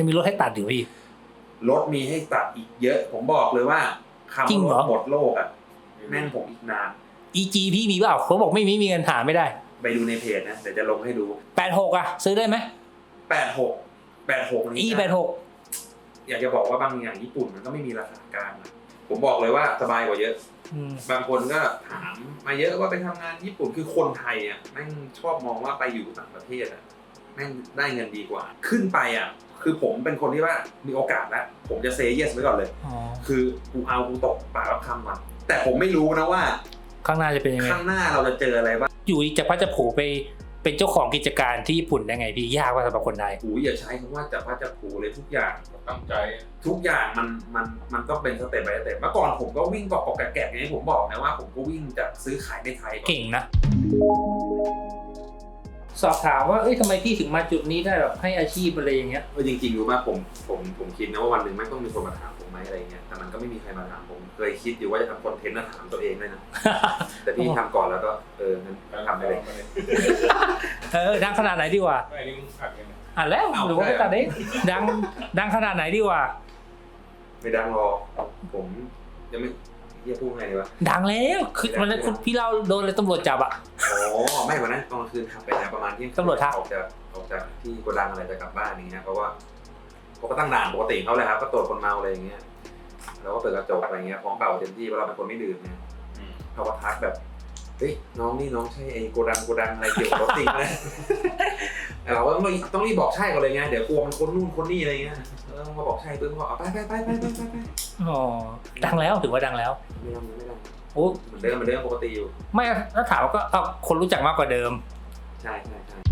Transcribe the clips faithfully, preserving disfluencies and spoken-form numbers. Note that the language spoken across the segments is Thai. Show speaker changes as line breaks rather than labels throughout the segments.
ยังมีรถให้ตัดอยู่พี่
รถมีให้ตัดอีกเยอะผมบอกเลยว่าคำว่ารถหมดโลกอ่ะแม่งผมอีกนาน
อี จี พี่มีเปล่าเขาบอกไม่มีมีเงินหาไม่ได้
ไปดูในเพจนะเดี๋ยวจะลงให้ดู
แปดสิบหกอ่ะซื้อได้ไหม
แปดสิบหก แปดสิบหก
นี่ อี แปดสิบหก
อยากจะบอกว่าบางอย่างญี่ปุ่นมันก็ไม่มีราคากลางนะผมบอกเลยว่าสบายกว่าเยอะบางคนก็ถามมาเยอะว่าไปทำงานญี่ปุ่นคือคนไทยอ่ะแม่งชอบมองว่าไปอยู่ต่างประเทศอ่ะแม่งได้เงินดีกว่าขึ้นไปอ่ะคือผมเป็นคนที่ว่ามีโอกาสแล้วผมจะเซย์เยสไว้ก่อนเลยคือกูเอากูตกปากรับคำมันแต่ผมไม่รู้นะว่า
ข้างหน้าจะเป็นยังไง
ข้างหน้าเราจะเจออะไรบ้าง
อยู่จะพัดจะผูไปเป็นเจ้าของกิจการที่ญี่ปุ่นได้ไงพี่ยากว่าสำหรับคนไทย
โอ้ยอย่าใช้คำว่าจะพัดจะผูเลยทุกอย่าง
ตั้งใจ
ทุกอย่างมันมันมันก็เป็นสเต็ปไปสเต็ปเมื่อก่อนผมก็วิ่งเกาะเกาะแกะๆอย่างที่ผมบอกนะว่าผมก็วิ่งจากซื้อขายในไทย
เก่งนะสอบถามว่าเอ้ยทำไมพี่ถึงมาจุดนี้ได้แบบให้อาชีพอะไรอย่างเงี้ย
เออจริงๆรู้ป่ะผมผมผมคิดนะว่าวันหนึ่งไม่ต้องมีคนมาถามผมไหมอะไรเงี้ยแต่มันก็ไม่มีใครมาถามผมเคยคิดอยู่ว่าจะทำคอนเทนต์มาถามตัวเองเลยนะ แต่พี่ทำก่อนแล้วก็เอองั้นทำไปเลย
เออดังขนาดไหนดีกว่า
ไม่นี่มึงอัดกัน
อ่ะแล้วหรือว่าตัดเองดังดังขนาดไหนดีกว่า
ไม่ดังหรอกผมยังไม่เรียกพูดไงดีวะ
ดังแล้วคือวันนั้นคุณพี่เล่าโดนเลยตำรวจจับอ่ะ
อ๋อไม่วันนั้นตอนคืนขับไปนะประมาณที่
ตำรวจทัก
ออกจากออกจากที่โกดังอะไรจะกลับบ้านอย่างเงี้ยเพราะว่าเขาก็ตั้งด่านปกติเขาเลยครับก็ตรวจคนเมาอะไรอย่างเงี้ยแล้วก็เปิดกระจกอะไรเงี้ยของเก่าเต็มที่เพราะเราเป็นคนไม่ดื่มเนี่ยเขาก็ทักแบบเฮ้ยน้องนี่น้องใช่ไอ้โกดังโกดังอะไรเกี่ยวกับรถจริงไหมเราก็ต้องต้องรีบบอกใช่ก่อนเลยไงเดี๋ยวกลัวมันคนนู่นคนนี่อะไรเงี้ยแล้วพอบอกใช่ปุ๊บก็เอาไปไปไปไปไปไป
อ๋อดังแล้วถือว่าดังแล้ว
ไม่ดังไม่ดัง
โอ้
เหมือนเดิมเหมือนเดิมปกติอยู่
ไม่แล้วถามก็เอาคนรู้จักมากกว่าเดิม
ใช่ใช่ใช่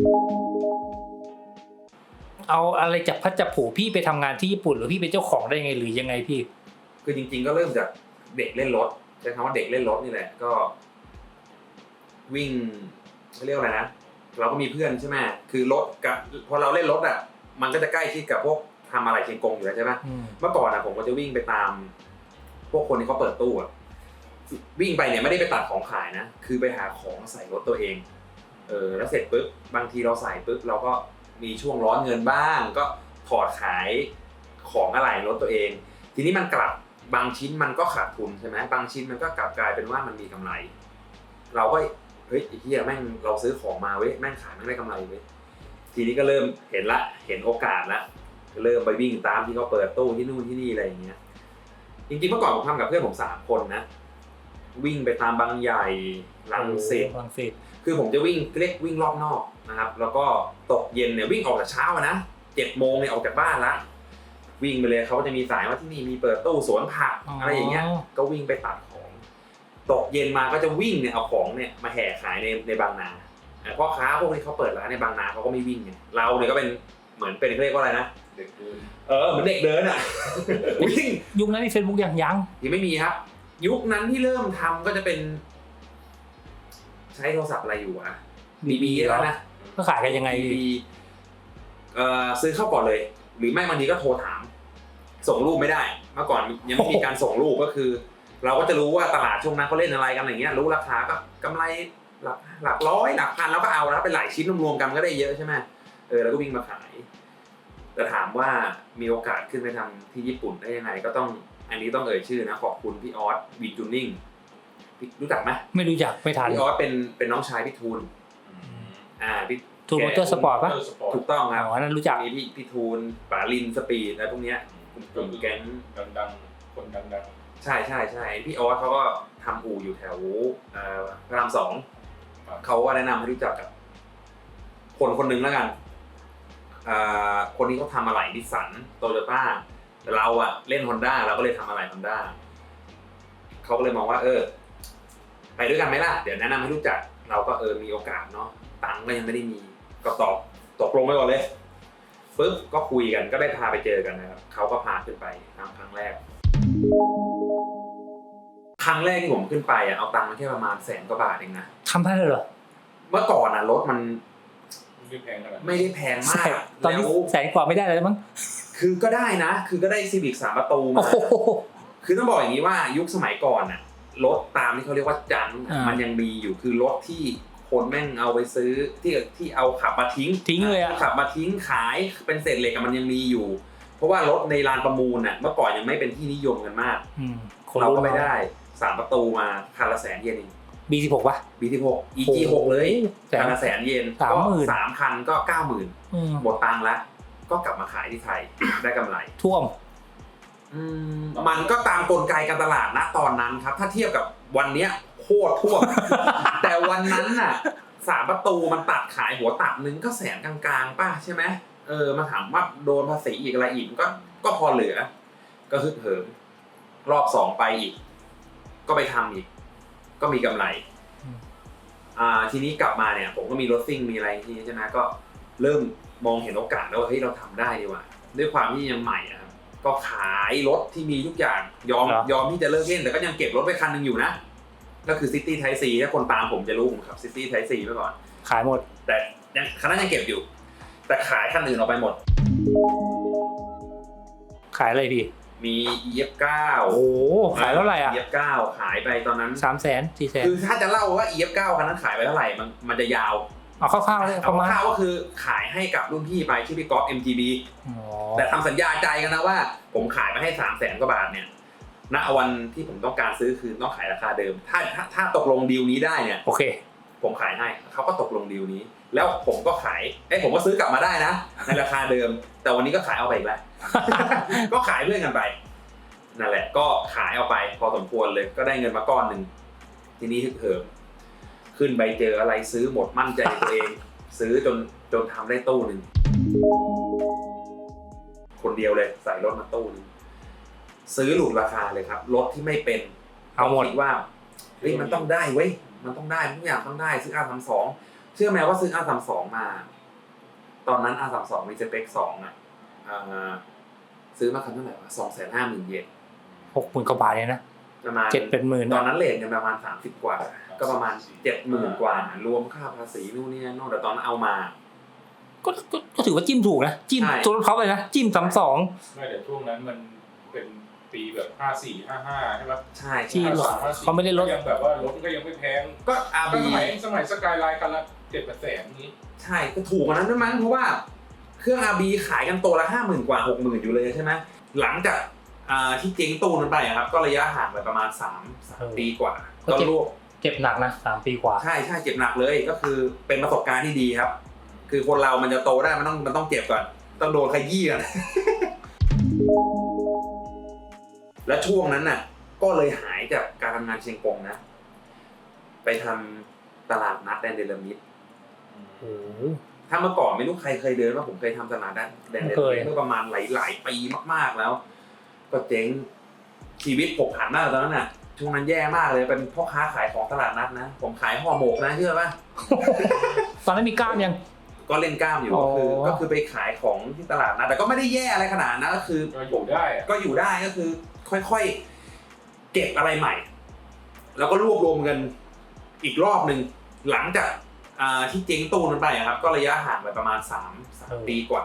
เอาอะไรจับพัดจับผูพี่ไปทำงานที่ญี่ปุ่นหรือพี่เป็นเจ้าของได้ยังไงหรือยังไงพี่
คือจริงๆก็เริ่มจากเด็กเล่นรถใช้คำว่าเด็กเล่นรถนี่แหละก็วิ่งเขาเรียกอะไรนะเราก็มีเพื่อนใช่ไหมคือรถกับพอเราเล่นรถอ่ะมันก็จะใกล้ชิดกับพวกทำอะไรเชียงกงอยู่แล้วใช่ไหมเมื่อก่อนอ่ะผมก็จะวิ่งไปตามพวกคนที่เขาเปิดตู้อ่ะวิ่งไปเนี่ยไม่ได้ไปตัดของขายนะคือไปหาของใส่รถตัวเองเออแล้วเสร็จปุ๊บบางทีเราใส่ปุ๊บเราก็มีช่วงร้อนเงินบ้างก็ถอดขายของอะไรรถตัวเองทีนี้มันกลับบางชิ้นมันก็ขาดทุนใช่ไหมบางชิ้นมันก็กลับกลายเป็นว่ามันมีกำไรเราก็เฮ้ยไอ้เหี้ยแม่งเราซื้อของมาเว้ยแม่งขายแม่งได้กำไรเว้ยทีนี้ก็เริ่มเห็นละเห็นโอกาสละเริ่มไปวิ่งตามที่เขาเปิดตู้ที่นู่นที่นี่อะไรอย่างเงี้ยจริงๆเมื่อก่อนผมทำกับเพื่อนผมสามคนนะวิ่งไปตามบางใหญ่ลังสิต
ลังสิต
คือผมจะวิ่งเรียกวิ่งรอบนอกนะครับแล้วก็ตกเย็นเนี่ยวิ่งออกแต่เช้านะเจ็ดโมงเนี่ยออกจากบ้านละวิ่งไปเลยเขาจะมีสายว่าที่นี่มีเปิดตู้สวนผักอะไรอย่างเงี้ยก็วิ่งไปตัดของตกเย็นมาก็จะวิ่งเนี่ยเอาของเนี่ยมาแห่ขายในในบางนาพ่อค้าพวกที่เขาเปิดร้านในบางนาเขาก็ไม่วิ่งไงเราเนี่ยก็เป็นเหมือนเป็นเรียกว่าอะไรนะ
เด็กเดิน
เออเหมือนเด็กเดินอ่ะวิ่ง
ยุคนั้นมีเฟซบุ๊กยังยัง
ยังไม่มีครับยุคนั้นที่เริ่มทำก็จะเป็นใช้โทรศัพท์อะไรอยู่อะบีบีแล้วนะ
ก็ขายกันยังไง
บีเอ่อซื้อเข้าก่อนเลยหรือไม่บางทีก็โทรถามส่งรูปไม่ได้เมื่อก่อนยังไม่มีการส่งรูปก็คือเราก็จะรู้ว่าตลาดช่วงนั้นเขาเล่นอะไรกันอย่างเงี้ยรู้ราคาก็กำไรหลักหลักร้อยหลักพันแล้วก็เอาแล้วเป็นหลายชิ้นรวมๆกันก็ได้เยอะใช่ไหมเออแล้วก็วิ่งมาขายแต่ถามว่ามีโอกาสขึ้นไปทำที่ญี่ปุ่นได้ยังไงก็ต้องอันนี้ต้องเอ่ยชื่อนะขอบคุณพี่ออสวีจูนิ่งรู้จักไหม
ไม่รู้จักไม่ทัน
พี่ออสเป็นเป็นน้องชายพี่ทูลอ่าพี่
ทูลมอเตอร์สปอร์ตป่ะ
ถูกต้องครับ
อ๋อนั่นรู้จัก
มีพี่พี่ทูลป๋าลินสปีดอะไรพวกเนี้ยกลุ่มแก๊ง
ดังๆคนดัง
ๆใช่ใช่ใช่พี่ออสเขาก็ทำอู่อยู่แถวพระรามสองเขาก็แนะนำให้รู้จักกับคนคนหนึ่งแล้วกันคนนี้เขาทำอะไหล่นิสสันโตโยต้าแต่เราอะเล่น Honda เราก็เลยทำอะไหล่ Honda เขาก็เลยมองว่าเออไปด้วยกันไหมล่ะเดี๋ยวแนะนำให้รู้จักเราก็เออมีโอกาสเนาะตังค์ก็ยังไม่ได้มีก็ตอบตกลงไปก่อนเลยปึ๊บก็คุยกันก็ได้พาไปเจอกันนะครับเขาก็พาขึ้นไปทำครั้งแรกครั้งแรกที่ผมขึ้นไปอ่ะเอาตังค์มาแค่ประมาณแสนกว่าบาทเองนะ
ทำได้เลยเหรอ
เมื่อก่อนอ่ะรถมัน
ไม่ได้แพงขนาด
ไม่ได้แพงมาก
ตอนนี้แสนกว่าไม่ได้เลยมั้ง
คือก็ได้นะคือก็ได้ซีวิกสามประตูมาคือต้องบอกอย่างนี้ว่ายุคสมัยก่อนน่ะรถตามที่เขาเรียกว่าจังมันยังมีอยู่คือรถที่คคนแม่งเอาไปซื้อที่ที่เอาขับมาทิ้ง
ทิ้งเลยอะ
ขับมาทิ้งขายเป็นเศษเหล็กมันยังมีอยู่ เพราะว่ารถในลานประมูลน่ะเมื่อก่อนยังไม่เป็นที่นิยมกันมาก
อืม
เราก็ไม่ได้สามประตูมาคันละแสนเยนเอง
บี สิบหก ป่ะ
บี สิบหก อี จี หก เลย
แสน
คันละแสนเยน
สามหมื่น
ก็สามคันก็เก้าหมื่น
อืม
หมดตังค์ละก็กลับมาขายที่ไทย ได้กำไร
ท่วม
อืมมันก็ตามกลไกการตลาดนะตอนนั้นครับ ถ้าเทียบกับวันเนี้ยโคตรท่วม แต่วันนั้นน่ะสามประตูมันตัดขายหัวตัดนึงก็แสนกลางๆป่ะใช่ไหมเออมาถามว่าโดนภาษีอีกอะไรอีกก็ก็พอเหลือ ก็ฮึดเหิมรอบสองไปอีก ก็ไปทำอีก ก็มีกำไร
อืม
อ่าทีนี้กลับมาเนี่ย ผมก็มีรถซิ่งมีอะไรทีนี้ใช่ไหมก็เริ่มมองเห็นโอกาสแล้วว่าเฮ้ยเราทำได้ดีว่ะด้วยความที่ยังใหม่อะครับก็ขายรถที่มีทุกอย่างยอม
เหรอ
ยอมที่จะเลิกเล่นแต่ก็ยังเก็บรถไปคันหนึงอยู่นะ ก็คือ City Type C ถ้าคนตามผมจะรู้ผมขับ City Type C มาก่อน
ขายหมด
แต่ยังคันนั้นยังเก็บอยู่ แต่ขายคันอื่นออกไปหมด
ขายอะไรพี่
มี อี เอฟ เก้า
โอ้โหขายเท่าไหร่อ่ะ
อี เอฟ เก้า ขายไปตอนนั้น
สามแสนสี่แสน
คือถ้าจะเล่าว่า อี เอฟ เก้า คันนั้นขายไปเท่าไหร่มันมันจะยาว
เอาคร่าวๆเลย
เอา
ประมาณ
คร่าวๆก็คือขายให้กับรุ่นพี่ไปชื่อพี่ก๊อฟ เอ็ม จี บี
อ๋อ
แต่ทำสัญญาใจกันนะว่า ผมขายมาให้สามแสนกว่าบาทเนี่ยณวันที่ผมต้องการซื้อคือต้องขายราคาเดิม ถ้าถ้าถ้าตกลงดีลนี้ได้เนี่ย
โอเค
ผมขายให้เขาก็ตกลงดีลนี้ แล้วผมก็ขายเอ้ยผมก็ซื้อกลับมาได้นะในราคาเดิม แต่วันนี้ก็ขายเอาไปอีกแล้ว ก็ขายเพื่อนกันไปนั่นแหละ ก็ขายเอาไปพอสมควรเลยก็ได้เงินมาก้อนหนึ่งทีนี้ฮึกเหิมขึ้นไปเจออะไรซื้อหมดมั่นใจในตัวเอง ซื้อจนจนทำได้ตู้หนึ่งคนเดียวเลยใส่รถมาตู้หนึงซื้อหลุดราคาเลยครับรถที่ไม่เป็น
เอาหมด
คิดว่าเฮ้ยมันต้องได้เว้ยมันต้องได้ทุกอย่างต้องได้ซื้อ อาร์ สามสิบสอง เชื่อไหมว่าซื้อ อาร์ สามสิบสอง มา ตอนนั้น อาร์ สามสิบสอง มีสเปคสองอ่ะอ่าซื้อมาคันเท่าไหร่วะ สองแสนห้าหมื่น เยน
หกหมื่นกว่าบาทเนี่ยนะ
ประมาณ
เจ็ดเป็นหมื่น
ตอนนั้นเรทกันประมาณสามสิบกว่า ก็ประมาณ เจ็ดหมื่น กว่า รวมค่าภาษีนู่นนี่นั่นแต่ตอนนั้นเอามา
ก็ก็ก็ถือว่าจิ้มถูกนะ จิ้ม
ใช่
ตัวรถเขาเลยนะ จิ้มสามสอง
ไม่แต่ช่วงนั้นมันเป็นปีแบบห้าสี่ห้าห้าใช่ปะ
ใช่
ที่
ใช่
รถเขาไม่ได้ลด
ยังแบบว่ารถก็ยังไม่แพง
ก็ อาร์
ก็
บี
สมัยสมัยสกายไลน์คันละเจ็ดแสนนี้
ใช่ก็ถูกกว่านั้นด้วยมั้งเพราะว่าเครื่อง อาร์ บี ขายกันตัวละห้าหมื่นกว่าหกหมื่นอยู่เลยใช่ไหมหลังจากอ่าที่เจ๊งตู้นั้นไปอะครับก็ระยะห่างไปประมาณสามสามปีกว่า
ก็
ก็
เจ็บ
รวบ
เจ็บหนักนะสามปีกว่า
ใช่ใช่เจ็บหนักเลยก็คือเป็นประสบการณ์ที่ดีครับ คือคนเรามันจะโตได้มันต้องมันต้องเจ็บก่อนต้องโดนขยี้ก่อน และช่วงนั้นน่ะ ก็เลยหายจากการทำงานเชียงกงนะ ไปทำตลาดนัดแดนเดลมิด
โอ้โห
ถ้าเมื่อก่อนไม่รู้ใครเคยเดินว่าผมเคยทำตลาดนัดแดนเดล
เค
มิ
ย
ดเมื่อประมาณหลายหลายปีมากๆแล้ว ก็เจ๊งชีวิตผกผันมากตอนนั้นน่ะช่วงนั้นแย่มากเลยเป็นพ่อค้าขายของตลาดนัดนะผมขายห่อหมกนะเชื่อป่ะ
ตอนนั้นมีกล้ามยัง
ก็เล่นกล้ามอยู่
อ๋อ
ก็คือก็คือไปขายของที่ตลาดนะแต่ก็ไม่ได้แย่อะไรขนาดนั้นก็คือ
ก็อยู่ได้อะ
ก็อยู่ได้ก็คือ ค่อยๆเก็บอะไรใหม่ แล้วก็รวบรวมเงินอีกรอบหนึ่งหลังจากอ่าที่เจ๊งตู้นั้นไปอะครับ ก็ระยะห่างไปประมาณสามสามปีกว่า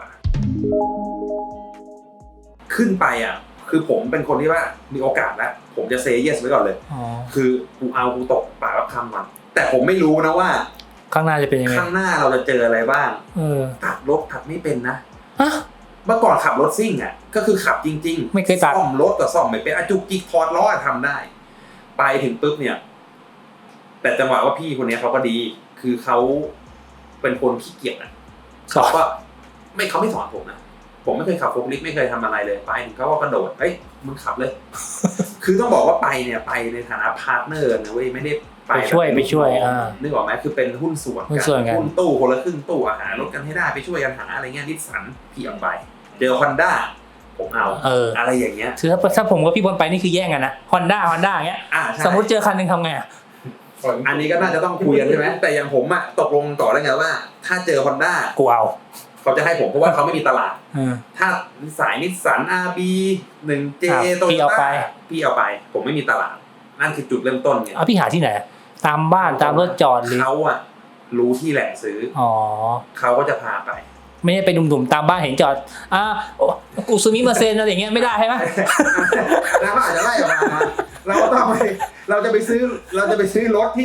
ขึ้นไปอ่ะ คือผมเป็นคนที่ว่ามีโอกาสแล้วผมจะเซย์เยสไว้ก่อนเลย
อ๋อ
คือกูเอากูตกปากรับคำมันแต่ผมไม่รู้นะว่า
ข้างหน้าจะเป็นยังไง
ข้างหน้าเราจะเจออะไรบ้าง
เออ
ขับรถขับไม่เป็นนะ
ฮะ
เมื่อก่อนขับรถซิ่งอ่ะก็คือขับจริงๆ
ไม่เคยตัด
ซ่อมรถกับซ่อมไม่เป็นอะจุกจิกถอดล้อทำได้ ไปถึงปุ๊บเนี่ย แต่จังหวะว่าพี่คนนี้เขาก็ดี คือเขาเป็นคนขี้เกียจอ่ะ
สอ
เขา
น
ก็ไม่เขาไม่สอนผมนะผมไม่เคยขับโฟล์คลิฟต์ไม่เคยทำอะไรเลยไปถึงเขาก็กระโดดเอ้ยมึงขับเลย คือต้องบอกว่าไปเนี่ยไปในฐานะพาร์ทเนอร์นะเว้ยไม่ได้ไป
ไปช่วย
แบบ
ไปช่วยอ่า
นึกออกไหมคือเป็นหุ้นส่วน
หุ้นส่วนกัน
หุ้นตู้คนละครึ่งตู้อาหารรถกันให้ได้ไปช่วยกันหาอะไรเงี้ยนิสสันพี่เอาไปเจอฮอนด้าผมเอา
เออ
อะไรอย่างเงี้ย
คือถ้าถ้าผมกับพี่บอลไปนี่คือแย่งกันนะฮอนด้าฮอนด้าอย่างเงี้ย
อ่าใช่
สมมติเจอคันหนึ่งทำไงอะ
อันนี้ก็น่าจะต้องคุยกันใช่ไหมแต่อย่างผมอะตกลงต่อแล้วไงว่า ถ้าเจอฮอนด้า
กูเอา
เขาจะให้ผมเพราะว่าเขาไม่มีตลาด
เออ
ถ้าสายนิสสัน อาร์ บี หนึ่ง เจ
อ่ะ
โต
พี่
โย
เอาไป
ต้าพี่เอาไป ผมไม่มีตลาด นั่นคือจุดเริ่มต้นไง
เอาพี่หาที่ไหน ตามบ้านตามรถจอดหรือ
เขาอะรู้ที่แหล่งซื้อ
อ๋อ
เขาก็จะพาไป
ไม่ใช่ไปดุ่มๆตามบ้านเห็นจอดอ่ากูซูมิมาเซนอะไรอย่างเงี้ยไม่ได้ใช่ไหม
แล้วก็อาจจะไล่ออกมาเราก็ต้องไปเราจะไปซื้อเราจะไปซื้อรถที่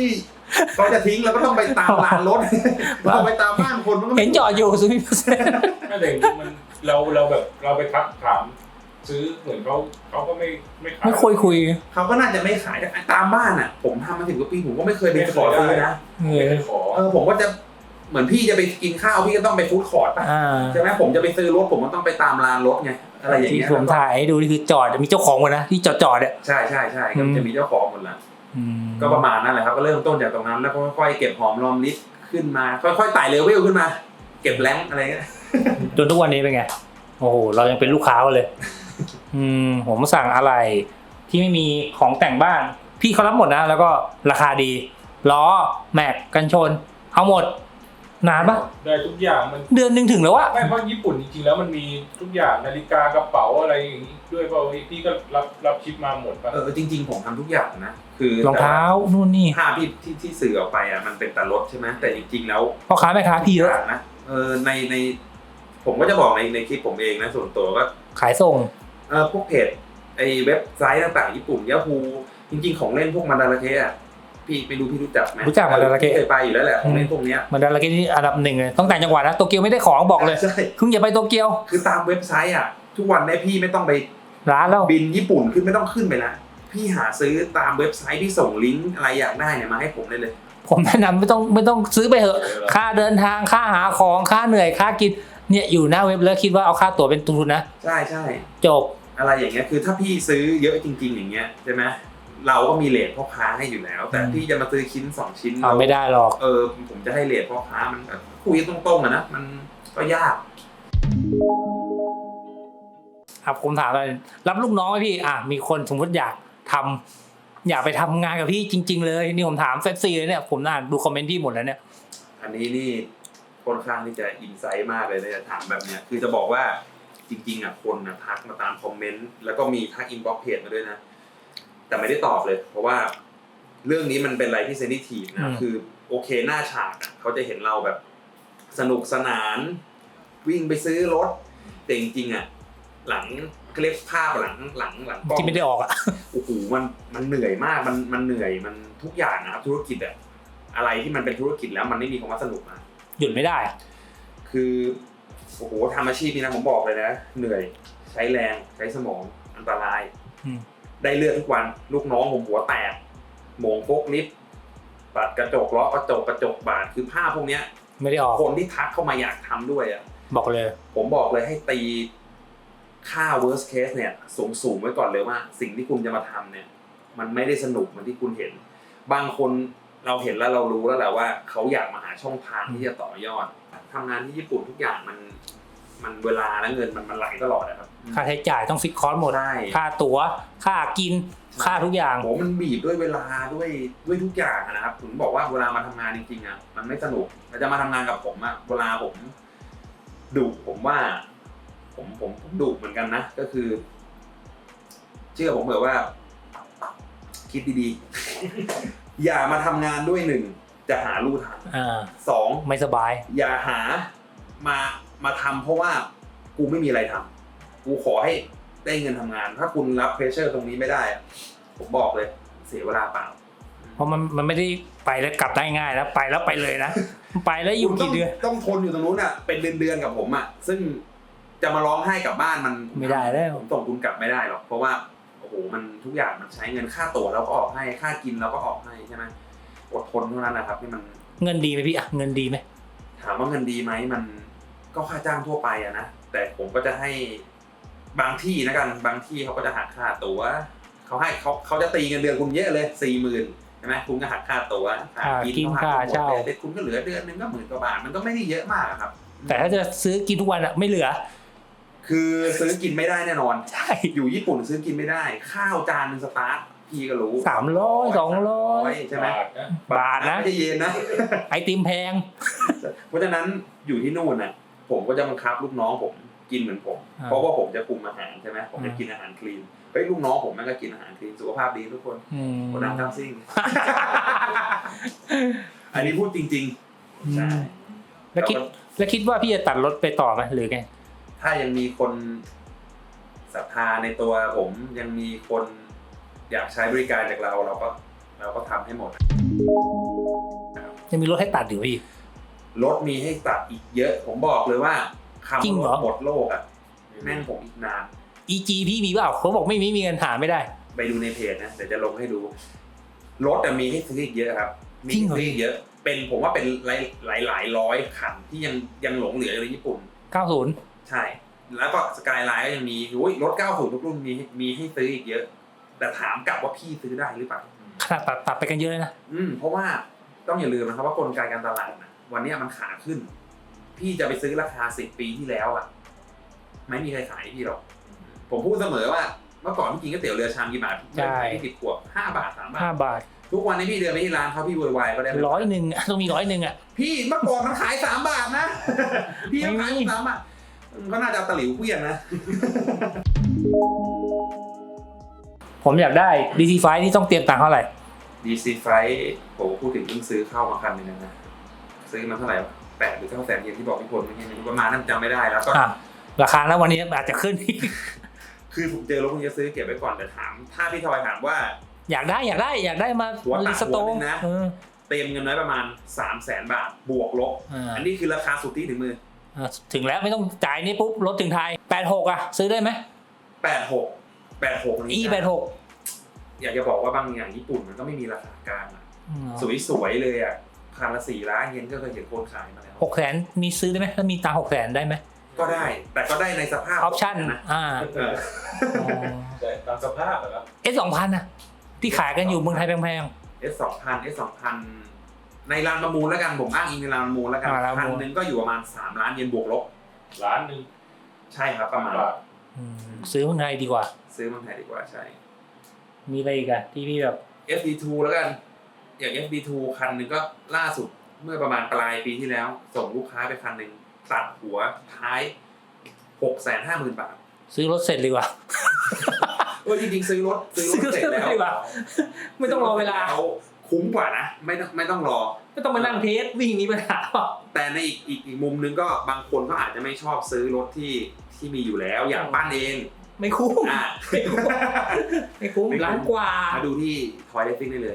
เขาจะทิ้งเราก็ต้องไปตามลานรถเราไปตามบ้านคนมันก็
เห็นจอดอยู่ซูมิเปอร์เซ็นต์
ไม่แต่มันเราเราแบบเราไปทักถามซื้อเหมือนเขาเขาก็ไม่ไม่ขาย
ไม่คุยคุย
เขาก็น่าจะไม่ขายตามบ้านอ่ะผมทำมาถึงกว่าปีผมก็ไม่เคยไปขอซื้อนะ
เอ
ไม่
อ
ได้ขอ
เออผมก็จะเหมือนพี่จะไปกินข้าวพี่ก็ต้องไปฟู้ดคอร์ทป่ะ
อ่า
ใช่ไหมผมจะไปซื้อรถผมก็ต้องไปตามลานรถไงอะไรอย่าง
ที่
เงี้ย
ผมถ่ายให้ดูนี่คือจอดมีเจ้าของหมดนะที่จอดจอดเนี่ย
ใช่ใช่ใช่ก็จะมีเจ้าของหมดละ
อืม
ก็ประมาณนั้นแหละครับก็เริ่มต้นจากตรงนั้นแล้วก็ค่อยๆเก็บหอมรอมริบขึ้นมาค่อยๆไต่เลเวลขึ้นมา เก็บแรงค์อะไรเงี้ย
จนทุกวันนี้เป็นไงโอ้โหเรายังเป็นลูกค้าเลย อืมผมสั่งอะไรที่ไม่มีของแต่งบ้านพี่เขารับหมดนะแล้วก็ราคาดีล้อแม็กกันชนเอาหมดนานปะ
ได้ทุกอย่างมัน
เดือนหนึ่งถึงแล้ววะ
ไม่เพราะญี่ปุ่นจริงๆแล้วมันมีทุกอย่างนาฬิกากระเป๋าอะไรอย่างนี้ด้วยเปล่าพี่ก็รับรับชิปมาหมดป่ะ
เออจริงๆผมทำทุกอย่างนะคือ
รองเท้านู่นนี่
ภาพที่ที่ที่สื่อออกไปอ่ะมันเป็นแต่รถใช่ไหมแต่จริงๆแล้ว
พ่อค้าแม่ค้าพี่เยอะ
นะเออในในผมก็จะบอกในในคลิปผมเองนะส่วนตัวก็
ขายส่ง
เออพวกเพจไอเว็บไซต์ต่างๆญี่ปุ่นยาฮูจริงๆของเล่นพวกมันดาราเคอ่ะพี่ไม่รู้พี่รู้จักไหม
รู้จักมันดาราเค
เคยไปอยู่แล้วแหละของเล่นพวกเนี้ย
มันดาราเกที่อันดับหนึ่งเลยต้องแต่างจังหวัดนะโตเกียวไม่ได้ของบอกเลย
ใช่
คุณอย่าไปโตเกียว
คือตามเว็บไซต์อ่ะทุกวันนี้พี่ไม่ต้องไป
ร้านแล้ว
บินญี่ปุ่นขึ้นไม่ต้องขึ้นไปละพี่หาซื้อตามเว็บไซต์ที่ส่งลิงก์อะไรอยากได้เนี่ยมาให้ผมได้เลย
ผมแนะนำไม่ต้องไม่ต้องซื้อไปเถอะค่าเดินทางค่าหาของค่าเหนื่อยค่ากินเนี่ยอยู่หน้าเว็บแล้วคิดว่าเอาค่าตั๋วเป็นทุนนะ
ใช่ใช่
จบ
อะไรอย่างเงี้ยคือถ้าพี่ซื้อเยอะจริง ๆ อย่างเงี้ยใช่ไหมเราก็มีเรทพ่อค้าให้อยู่แล้ว แต่
อืม
พี่จะมาซื้อชิ้นสองชิ้น
เอาไม่ได้หรอก
เออผมจะให้เรทพ่อค้ามันแบบคุยตรงๆอะนะมันก็ยาก
ครับผมถามเลยรับลูกน้องไหมพี่อ่ะมีคนสมมติอยากทำอยากไปทำงานกับพี่จริง ๆ เลยนี่ผมถามเซฟซีเลยเนี่ยผมอ่านดูคอมเมนต์พี่หมดแล้วเนี่ย
อันนี้นี่ค่อนข้างที่จะอินไซต์มากเลยนะจะถามแบบเนี้ยคือจะบอกว่าจริงๆอ่ะคนนะทักมาตามคอมเมนต์แล้วก็มีทักอินบ็อกซ์เพจมาด้วยนะแต่ไม่ได้ตอบเลย เพราะว่าเรื่องนี้มันเป็นอะไรที่เซนซิทีฟนะคือโอเคหน้าฉากอ่ะเขาจะเห็นเราแบบสนุกสนานวิ่งไปซื้อรถแต่จริงๆอ่ะหลังเขาเรียกภาพหลังหลังหลังกล้อง
ที่ไม่ได้ออกอ่ะ
โอ้โหมันมันเหนื่อยมากมันมันเหนื่อยมันทุกอย่างนะครับธุรกิจอะอะไรที่มันเป็นธุรกิจแล้วมันไม่มีคำว่าสนุกนะ
หยุดไม่ได้อะ
คือโอ้โหทำอาชีพนี้นะผมบอกเลยนะเหนื่อยใช้แรงใช้สมองอันตราย
อืม
ได้เลือดทุกวันลูกน้องผมหัวแตกโหมงโฟกลิฟต์ปัดกระจกล้อกระจกกระจกบาดคือภาพพวกเนี้ย
ไม่ได้ออก
คนที่ทักเข้ามาอยากทำด้วยอะ
บอกเลย
ผมบอกเลยให้ตีค่า worst case เนี่ยสูงสูงไว้ก่อนเลยว่าสิ่งที่คุณจะมาทำเนี่ยมันไม่ได้สนุกเหมือนที่คุณเห็น บางคนเราเห็นแล้วเรารู้แล้วแหละว่าเขาอยากมาหาช่องทางที่จะต่อยอดทำงานที่ญี่ปุ่นทุกอย่างมันมันเวลาและเงินมันมันไหลตลอดนะครับ
ค่าใช้จ่ายต้องฟิกคอร์สหมด
ใช่
ค่าตั๋วค่ากินค่าทุกอย่าง
โหมันบีบด้วยเวลาด้วยด้วยทุกอย่างอะนะครับผมบอกว่าเวลามาทำงานจริงๆอ่ะมันไม่สนุกแต่จะมาทำงานกับผมอ่ะเวลาผมดุผมว่า ผมผมผมดุเหมือนกันนะก็คือ เชื่อผมเถอะว่า คิดดีๆ อย่ามาทำงานด้วยหนึ่งจะหาลู่ทาง
อ่า
สอง
ไม่สบาย
อย่าหามามาทำเพราะว่ากูไม่มีอะไรทำกูขอให้ได้เงินทำงาน ถ้าคุณรับเพรสเชอร์ตรงนี้ไม่ได้อะผมบอกเลย เสียเวลาเปล่า
เพราะมันมันไม่ได้ไปแล้วกลับได้ง่ายนะไปแล้วไปเลยนะไปแล้วอยู่กี่เดือน
ต้องทนอยู่ตรงนู้นอ่ะเป็นเดือนๆกับผมอ่ะซึ่งจะมาร้องไห้กลับบ้านมัน
ไม่ได้แล้ว
ผมส่งคุณกลับไม่ได้หรอกเพราะว่าโอ้โหมันทุกอย่างมันใช้เงินค่าตั๋วเราก็ออกให้ค่ากินเราก็ออกให้ใช่ไหมอดทนเท่านั้นนะครับที่มัน
เงินดีไหมพี่อ่ะเงินดีไหม
ถามว่าเงินดีไหมมันก็ค่าจ้างทั่วไปอะนะแต่ผมก็จะให้บางที่นะกันบางที่เขาก็จะหักค่าตั๋วเขาให้เขาเขาจะตีเงินเดือนคุณเยอะเลยสี่หมื่นใช่ไหมคุณก็หักค่าตั๋ว
ค่ากินค่าเช่า
แต่คุณก็เหลือเดือนนึงก็หมื่นกว่าบาทมันก็ไม่ได้เยอะมากอะครับ
แต่ถ้าจะซื้อกินทุกวันอ่ะไม่เหลือ
คือซื้อกินไม่ได้แน่นอน
ใช่
อยู่ญี่ปุ่นซื้อกินไม่ได้ ข้าวจานนึงสตาร์ทพี่ก็รู้
สามร้อยสองร้อย
ใช่ไหม
บาทนะ
บาทนะ
ไม่ใช่เยนนะ
ไอติมแพง
เพราะฉะนั้นอยู่ที่นู่นน่ะผมก็จะบังคับลูกน้องผมกินเหมือนผม
อ่า
เพราะว่าผมจะคุมอาหารใช่ไหมผมจะ
อ่า
กินอาหารคลีนเฮ้ยลูกน้องผมแม่งก็กินอาหารคลีนสุขภาพดีทุกคน
อืม
คนดังทั้งซิ่ง อันนี้พูดจริงๆใช่
แล้วคิดแล้วคิดว่าพี่จะตัดรถไปต่อไหมหรือไง
ถ้ายังมีคนศรัทธาในตัวผมยังมีคนอยากใช้บริการจากเราเราก็เราก็ทำให้หมด
ยังมีรถให้ตัดอยู่พี่
รถมีให้ตัดอีกเยอะ ผมบอกเลยว่าคำ
จริงเหร
ร
อ
ถหมดโลกอ่ะแม่งผมอีกนาน
อี จี พี่มีเปล่าเขาบอกไม่มีมีเงินหาไม่ได้
ไปดูในเพจนะเดี๋ยวจะลงให้ดูรถมีให้ซื้ออีกเยอะครับมี
จริงเหรอ
ให้ซื้ออีกเยอะ เป็นผมว่าเป็นหลายหลายหลายร้อยคันที่ยังยังหลงเหลืออยู่ในญี่ปุ่น
เก้าสิบ
ใช่ แล้วก็สกายไลน์ก็ยังมีโอ้ยรถเก้าสิบทุกรุ่นมีมีให้ซื้ออีกเยอะ แต่ถามกลับว่าพี่ซื้อได้หรือเปล่า
ขนาดตัดตัดไปกันเยอะเลยนะ
อืมเพราะว่าต้องอย่าลืมนะครับว่ากลไกการตลาดนะวันเนี้ยมันขาขึ้น พี่จะไปซื้อราคาสิบปีที่แล้วอ่ะไม่มีใครขายให้พี่หรอกผมพูดเสมอว่าเมื่อก่อนพี่กินก๋วยเตี๋ยวเรือชามกี่บาท
ใช่
พี่ติดขวบห้าบาทสามบาท
ห้าบาท
ทุกวันนี้พี่เดินไปที่ร้านเขาพี่วุ่นวายก็ได้
ร้อยหนึ่งอะต้องมีร้อยหนึ่งอ่ะ
พี่เมื่อก่อนมันขายสามบาทนะ พี่มันขาย
ไม่มี
สามบาทก็น่าจะเอาตะหลิวเพี้ยนนะ
ผมอยากได้ ดี ซี ไฟว์ ที่ต้องเตรียมตังค์เท่าไหร่
ดี ซี ไฟผมพูดถึงเพิ่งซื้อเข้ามาคันหนึงนะซื้อมาเท่าไหร่แปดหรือเก้าแสนเยนที่บอกพี่พลเมื่อกี้ประมาณนั้นจำไม่ได้แล้วก็
อ่ะราคาแล้ววันนี้อาจจะขึ้น
คือผมเจอรถพวกนี้ซื้อเก็บไว้ก่อนแต่ถาม ถ้าพี่ทอยถามว่า
อยากได้อยากได้อยากได้มา
หัวตัด
รีสโต
หัวหนึ่
ร์
งนะ
เออ
เต็มเงินไว้ประมาณสามแสนบาทบวกลบ
อ่า
อันนี้คือราคาสุทธิถึงมือ
อ่ะถึงแล้วไม่ต้องจ่ายนี่ปุ๊บรถถึงไทยแปดหกอ่ะ ซื้อได้ไหม
แปดหกแปดหก
อีแปดหก
อยากจะบอกว่าบางอย่างญี่ปุ่นมันก็ไม่มีราคากลางอะสวยๆเลยอ่ะคันละสี่ล้านเยนก็เคยเห็นคนขายมาแล้ว
หกแสนมีซื้อได้ไหมถ้ามีตังค์หกแสนได้ไหม
ก็ได้ แต่ก็ได้ในสภาพ
ออปชั่น
นะ
อ่า
เออ
แต่ตามสภาพอะครับ
เอสสองพันอ่ะที่ขายกันอยู่เมืองไทยแพง
เอสสองพันเอสสองพันในร้านประมูลแล้วกันผมอ้างอิงในร้านประมูลแล้วกัน
อ่าร้านประ
พัน
มูล
หนึ่งก็อยู่ประมาณสามล้านเยนบวกลบ
ล้านหนึ่ง
ใช่ครับประมาณ
บาท
ๆอืมซื้อเมืองไทยดีกว่า
ซื้อเมืองไทยดีกว่าใช่
มีอะไรอีกอะที่พี่แบบ
เอฟ ดี ทู แล้วกัน อย่าง เอฟ ดี ทู คันหนึ่งก็ล่าสุดเมื่อประมาณปลายปีที่แล้ว ส่งลูกค้าไปคันหนึ่งตัดหัวท้ายหกแสนห้าหมื่นบาท
ซื้อรถเสร็จดีกว่า
เออจริงๆซื้อรถซื้อรถเสร็จแล้ว
ดีกว่าไม่ต้องรอเวลา
ซื้อรถสร็จแคุ้มกว่านะไม่ต้องไม่ต้องรอ
ไม่ต้องมานั่งเทสวิ่งมีปัญหาเปล่า
แต่ในอีกอีกอีกมุมนึงก็บางคนก็อาจจะไม่ชอบซื้อรถที่ที่มีอยู่แล้วอยากปั้นเอง
ไม่คุ้ม
อ่ะ
ไม่คุ้มไม่คุ้ม
ไม่คุ้ม
ล้านกว่า
มาดูที่ทอยเลสซิ่งได้เลย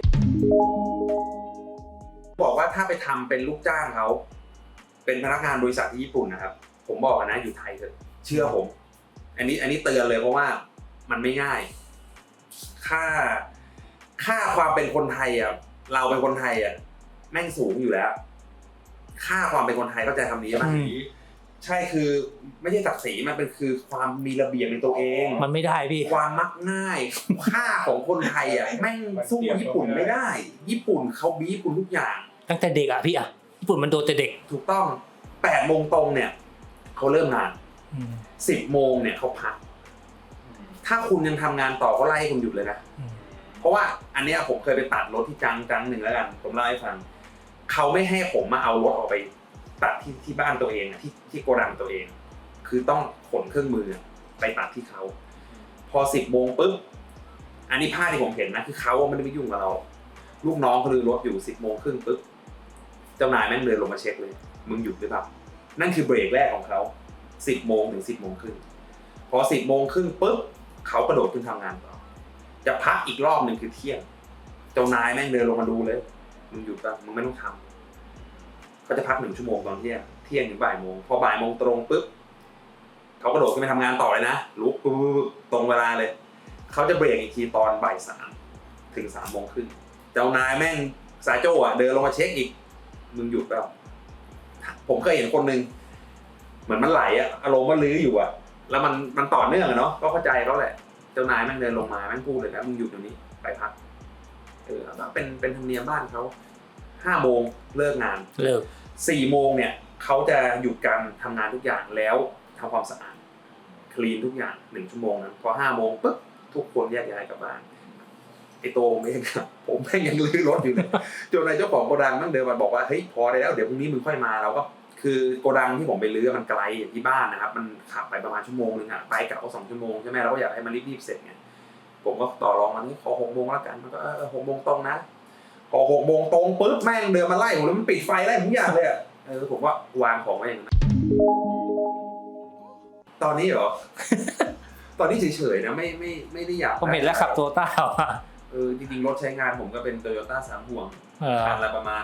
บอกว่าถ้าไปทำเป็นลูกจ้างเขาเป็นพนักงานบริษัทที่ญี่ปุ่นนะครับ ผมบอกนะอยู่ไทยเถอะเชื่อผม อันนี้อันนี้เตือนเลยเพราะว่ามันไม่ง่าย ค่าค่าความเป็นคนไทยอ่ะเราเป็นคนไทยอ่ะแม่งสูงอยู่แล้ว ค่าความเป็นคนไทยเข้าใจคำนี้ไหม
อืม
ใช่คือไม่ใช่ศักดิ์ศรีมันเป็นคือความมีระเบียบในตัวเอง
มันไม่ได้พี่
ความมักง่าย ค่าของคนไทยอ่ะแม่งสู้ญี่ปุ่นไม่ได้ ญี่ปุ่นเขาบีบคุณทุกอย่าง
ตั้งแต่เด็กอะพี่อะญี่ปุ่นมันโดนแต่เด็ก
ถูกต้องแปดโมงตรงเนี่ยเขาเริ่มงาน
อืม
สิบโมงเนี่ยเขาพัก ถ้าคุณยังทำงานต่อก็ไล่คุณหยุดเลยนะ
อืม
เพราะว่าอันเนี้ยผมเคยไปตัดรถที่จังจังหนึ่งแล้วกันผมเล่าให้ฟังเขาไม่ให้ผมมาเอารถออกไปตัดที่ที่บ้านตัวเองอะที่ที่โกดังตัวเอง คือต้องขนเครื่องมือไปตัดที่เขาพอสิบโมงปุ๊บอันนี้ภาพที่ผมเห็นนะคือเขาไม่ได้ไปยุ่งกับเรา ลูกน้องเขาลือรถอยู่สิบโมงครึ่งปุ๊บเจ้านายแม่งเดินลงมาเช็คเลยมึงหยุดหรือเปล่านั่นคือเบรกแรกของเขาสิบโมงถึงสิบโมงครึ่งพอสิบโมงครึ่งปุ๊บเขากระโดดขึ้นทำงานต่อจะพักอีกรอบหนึ่งคือเที่ยงเจ้านายแม่งเดินลงมาดูเลยมึงหยุดป่ะมึงไม่ต้องทำเขาจะพักหนึ่งชั่วโมงตอนเที่ยงเที่ยงถึงบ่ายโมงพอบ่ายโมงตรงปุ๊บเขากระโดดขึ้นไปทำงานต่อเลยนะลุกปุ๊บตรงเวลาเลยเขาจะเบรกอีกทีตอนบ่ายสามถึงสามโมงครึ่งเจ้านายแม่งสายโจ้อะเดินลงมาเช็คอีกมึงหยุดเปล่าผมเคยเห็นคนหนึ่งเหมือนมันไหลอะอารมณ์มันลื้ออยู่อะแล้วมันมันต่อเนื่องอะเนาะก็เข้าใจเขาแหละเจ้านายแม่งเดินลงมาแม่งพูดเลยนะมึงหยุดตรงนี้ไปพักเออเป็นเป็นธรรมเนียมบ้านเขาห้าโมงเลิกงาน
เลิก
สี่โมงเนี่ยเขาจะหยุดการทำงานทุกอย่างแล้วทำความสะอาดคลีนทุกอย่างหนึ่งชั่วโมงนั้นพอห้าโมงปุ๊บทุกคนแยกย้ายกลับบ้านไอโตผมเองครับผมแม่งยังลื้อรถอยู่เลยจนนายเจ้าของโกดังนั่งเดินมาบอกว่าเฮ้ยพอได้แล้วเดี๋ยวพรุ่งนี้มึงค่อยมาเราก็คือโกดังที่ผมไปลื้อมันไกลอย่างที่บ้านนะครับมันขับไปประมาณชั่วโมงนึงอะไปกลับก็สองชั่วโมงใช่ไหมเราก็อยากให้มันรีบๆเสร็จไงผมก็ต่อรองมันนี่ขอหกโมงแล้วกันมันก็เออหกโมงตรงนะพอหกโมงตรงปุ๊บแม่งเดินมาไล่ผมแล้วมันปิดไฟไล่ผมทุกอย่างเลยอะเออผมว่าวางของไว้อย่างนั้นตอนนี้เหรอ ตอนนี้เฉยๆนะไม่ไม่ไม่ได้อยาก
ผมเห็นแล้วขับโตต้าว่ะ
เออจริงๆรถใช้งานผมก็เป็น Toyota สามห่วง
เออ
คันละประมาณ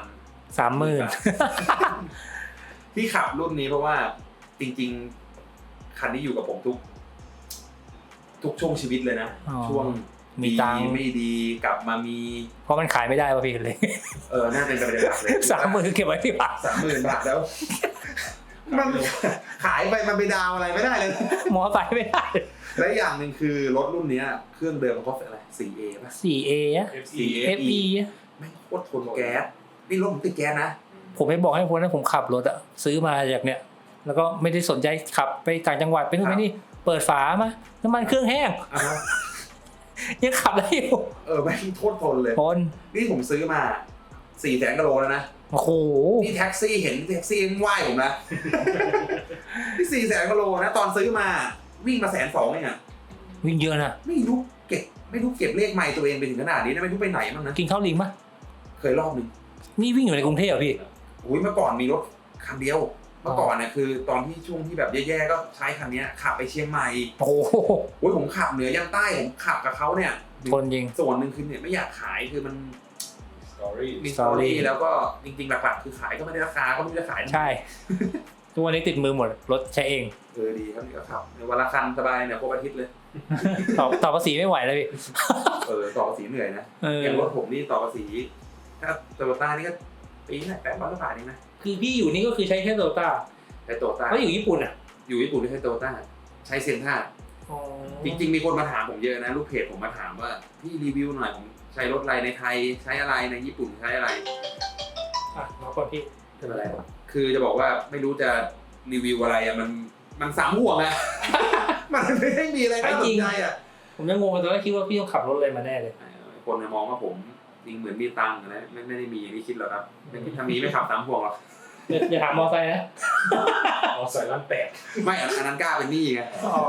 สามหมื่น
ที่ขับรุ่นนี้เพราะว่าจริงๆคันนี้อยู่กับผมทุก ทุกช่วงชีวิตเลยนะ ช่วง
มีตังค์
ไม่ดีกลับมามี
เพราะมันขายไม่ได้ป่ะพี่เลย
เออน่าเป็นประเด็นหลักเลย
สามหมื่นเก็บไว้ที่บ้าน
สามหมื่นบาทแล้ว มันขายไปมันไปดาวอะไรไม่ได้เลย
หมอไปไม่ได้
และอย่างหนึ่งคือรถรุ่นเนี้ยเครื่องเดิมเขาเป็นอะไร โฟร์ เอ ป่ะ
สี่ เอ อะ
เอฟ
สี่
ซี
เอ
เอฟ อี
แม่งโคตรทนแก๊สนี่รถผมติดแก๊สนะ
ผมไม่บอกให้คนนั้นผมขับรถอะซื้อมาจากเนี้ยแล้วก็ไม่ได้สนใจขับไปต่างจังหวัดไปนู่นไปนี่เปิดฝามาน้ำมันเครื่องแห้ง
อ่าฮะ
ยังขับได้อยู่
เออแม่งโคตรทนเลย
ทน
นี่ผมซื้อมาสี่แสนกิโลแล้วนะ
โอ้โห
นี่แท็กซี่เห็นแท็กซี่ยังไหว้ผมนะ นี่สี่แสนกิโลนะตอนซื้อมาวิ่งมาแสนสองเองอะ
วิ่งเยอะนะ
ไม่รู้เก็บไม่รู้เก็บเลขใหม่ตัวเองไปถึงขนาดนี้นะไม่รู้ไปไหนบ้างนะ
กินข้าวลิงปะ
เคยรอบหนึง
นี่วิ่งอยู่ในกรุงเทพเหรอพี่
อุ้ยเมื่อก่อนมีรถคันเดียว เมื่อก่อนเนี่ยคือตอนที่ช่วงที่แบบแย่ๆก็ใช้คันเนี้ยขับไปเชียงใหม่
โอ้โห
โอ้ยผมขับเหนือยันใต้ผมขับกับเขาเนี่ย
ทนจริง
ส่วนหนึ่งคือเนี่ยไม่อยากขายคือมัน
สตอรี่
มีสตอรี่แล้วก็จริงๆหลักๆคือขายก็ไม่ได้ราคาก็ไม่รู้จะขาย
ใช่ทุกวันนี้ติดมือหมดรถใช้เอง
เออดีครับนี่ก็ขับในวันละคันสบายเนี่ยครบอาทิตย์เลย
ต่อต่อภาษีไม่ไหวแล้วพี่
เออต่อภาษีเหนื่อยนะ
เออ
อย่างรถผมนี่ต่อภาษีถ้าโตโยต้านี่ก็ปีนึงแปดร้อยกว่าบาทเองนะ
คือพี่อยู่นี่ก็คือใช้แค่โตโยต้า
ใช้โตโยต้า
แล้วอยู่ญี่ปุ่นอ่ะ
อยู่ญี่ปุ่นที่ใช้โตโยต้าใช้เซนท่าจริงๆมีคนมาถามผมเยอะนะลูกเพจผมมาถามว่าพี่รีวิวหน่อยผมใช้รถอะไรในไทยใช้อะไรในญี่ปุ่นใช้อะไร
อ่ะมาก่อนพี่
เป็นอะไรวะคือจะบอกว่าไม่รู้จะรีวิวอะไรอะมันมันสามห่วงอะ มันไม่ได้มีอะไรน่าสนใจอะ
ผมยังงงตอนแรกคิดว่าพี่ต้องขับรถอะไรมาแน่เลย
คนจะมองว่าผมจริงเหมือนมีตังค์นะไม่ไม่ได้มีอย่างที่คิดหรอกครับถ้ามีไม่ขับสามห่วงหรอก
อย่าถามมอไซค์นะ
เอาใส่ล้านแปด
ไม่อันนั้นกล้าเป็นหนี้ไง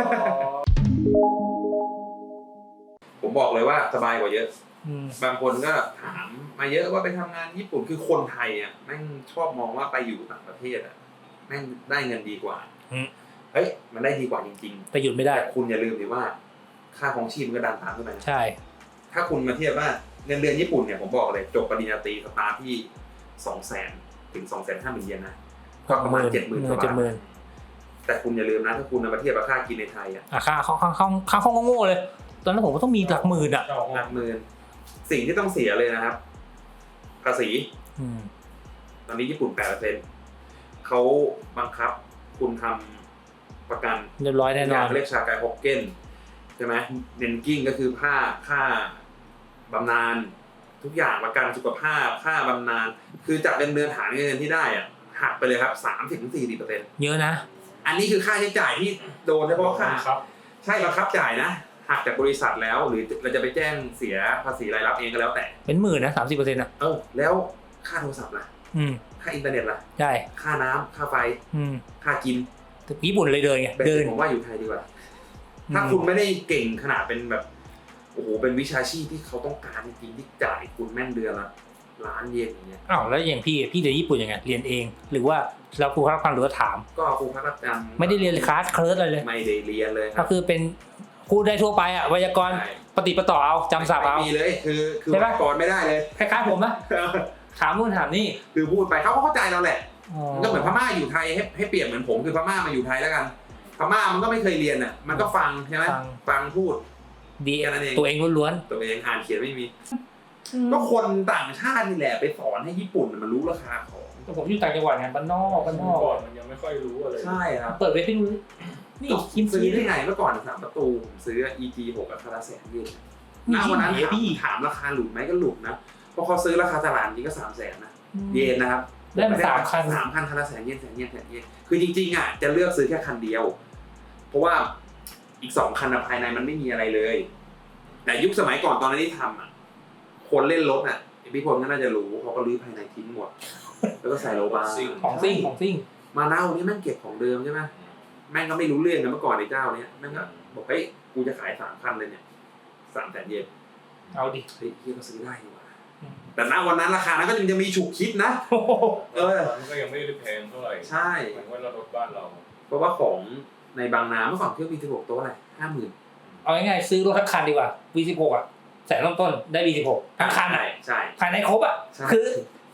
ผมบอกเลยว่าสบายกว่าเยอะ บางคนก็ถามมาเยอะว่าไปทำงานญี่ปุ่นคือคนไทยอ่ะแม่งชอบมองว่าไปอยู่ต่างประเทศอ่ะแม่งได้เงินดีกว่าเฮ้ยมันได้ดีกว่าจริง
แต่หยุดไม่
ๆ
ได้
แต่คุณอย่าลืมดิว่า ค่าของชีพมันก็ดันตามขึ้นไป
ใช่
ถ้าคุณมาเทียบว่าเงินเดือนญี่ปุ่นเนี่ยผมบอกเลยจบปริญญาตรีสตาร์ทที่สองแสนถึงสองแสนห้าหมื่นเยนนะก็ประมาณเจ็ดหมื่นกว่าบาทแต่คุณอย่าลืมนะถ้าคุณมาเทียบกับค่ากินในไทยอ่ะ
อ่ะค่าค่าค่าค่าค่าห้องโง่ๆเลย ตอนนั้นผมก็ต้องมีหลักหมื่นอ่ะ
หลักหมื่นสิ่งที่ต้องเสียเลยนะครับภาษี
อืม
ตอนนี้ญี่ปุ่นแปดเปอร์เซ็นต์เขาบังคับคุณทำประกัน
เรียบร้อยแน่นอน
เรียกชากายฮอกเก้นใช่ไหมเนนกิ้งก็คือค่าค่าบำนาญทุกอย่างประกันสุขภาพค่าบำนาญคือจากเงินเดือนฐานเงินที่ได้อะหักไปเลยครับสามสิบถึงสี่สิบเปอร์เซ็นต์
เยอะนะ
อันนี้คือค่าใช้จ่ายที่โดนเฉพาะค่า
ครับ
ใช่บังคับจ่ายนะหักจากบริษัทแล้วหรือเราจะไปแจ้งเสียภาษีรายรับเองก็แล้วแต่
เป็นหมื่นนะสามสิบเปอร์เซ็นต์อ่ะ
เออแล้วค่าโทรศัพท์ล่ะ
อืม
ค่าอินเทอร์เน็ตล่ะ
ใช่
ค่าน้ำค่าไฟ
อืม
ค่ากิน
แต่ญี่ปุ่นเลยเดินไง
เป็น
เดิน
ผมว่าอยู่ไทยดีกว่า ถ้าคุณไม่ได้เก่งขนาดเป็นแบบโอ้โหเป็นวิชาชีพที่เขาต้องการจริงๆที่จ่ายคุณแม่งเดือนละล้านเยนอย่างเงี้ย
อ้าวแล้วอย่างพี่พี่เรียนญี่ปุ่นยังไงเรียนเอง หรือว่าเราครูรับฟังหรือว่าถาม
ก็ครูพักรักจำ
ไม่ได้เรียนคลาสเคิร์สอะไรเลย
ไม่ได้เรียนเลยค
ก็
รับ
คือเป็นพูดได้ทั่วไปอ่ะไวยากรณ์
ใช่
ปฏิปต่อเอาจำศัพท์เอา
ไม่มีเลยคือคือ
ใช่ปะ
ก่อนไม่ได้เลย
คล้ายๆผมนะถามนู่นถามนี่
คือพูดไปเขาก็เข้าใจเราแหละมันก็เหมือนพม่าอยู่ไทยให้ให้เปรียบเหมือนผมคือพม่ามาอยู่ไทยแล้วกันพม่ามันก็ไม่เคยเรียนอ่ะมันก็ฟังใช่ไหม
ฟัง
ฟังพูด
ดี
แค่นั้นเอง
ตัวเองล้วน
ตัวเองอ่านเขียนไม่มี
ๆ
ก็คนต่างชาตินี่แหละไปสอนให้ญี่ปุ่นมันรู้ราคาของ
แต่ผมอยู่ต่างจังหวัดไงบ้านนอกบ้านนอก
ก่อนมันยังไม่ค่อยรู้อะไร
ใช่ครับ
เปิดเว็บให้ดูนี่คิม
ซื้อ
ซี
ได้ไงเมื่อก่อนสามประตูผมซื้อ อี จี หกกับคาราแสนเยน
มี
ณ
ที่
วัน
ไหน
นั้นถาม
อะพี่
ถามราคาหลุดไหมก็หลุดนะเพราะเขาซื้อราคาตลาดนี้ก็สามแสนนะเยนนะครับ
ได้มาสามคัน
สามคันคาราแสนเยนแสนเยนแสนเยนคือจริงๆอ่ะจะเลือกซื้อแค่คันเดียว เพราะว่าอีกสองคันภายในมันไม่มีอะไรเลย แต่ยุคสมัยก่อนตอนนั้นที่ทำอ่ะคนเล่นรถอ่ะพี่พลก็น่าจะรู้เขาก็รื้อภายในทิ้งหมด แล้วก็ใส่โลบาร์
ของซิ่งของซิ่ง
มาเน่านี่แม่งเก็บของเดิมใช่ไหมแม่งก็ไม่รู้เรื่องกันเมื่อก่อนไอ้เจ้าเนี้ยแม่งก็บอกเฮ้ยกูจะขายสามคันเลยเนี่ยสามแสนเยน
เอาดิ
เฮ้ยพี่ก็ซื้อได้ดีกว่าแต่ณวันนั้นราคานั้นก็ยังจะมีฉุกคิดนะ เออ
มันก็ยังไม่ได้แพงเท่าไหร่
ใช่
เหมือนว่าเรารถบ้านเรา
เพราะว่าของในบางนาเมื่อก่อนเครื่อง วี สิบหก โต๊ะอะไรห้าหมื่น
เอาง่ายๆซื้อรถทั้งคันดีกว่า วี สิบหก อ่ะแสนต้นๆได้ วี สิบหกทั้งคัน
ใช่ใช่
ภายในครบอ่ะ
ใช่
คือ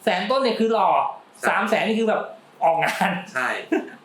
แสนต้นเนี่ยคือหล่อสามแสนนี่คือแบบออกงาน
ใช่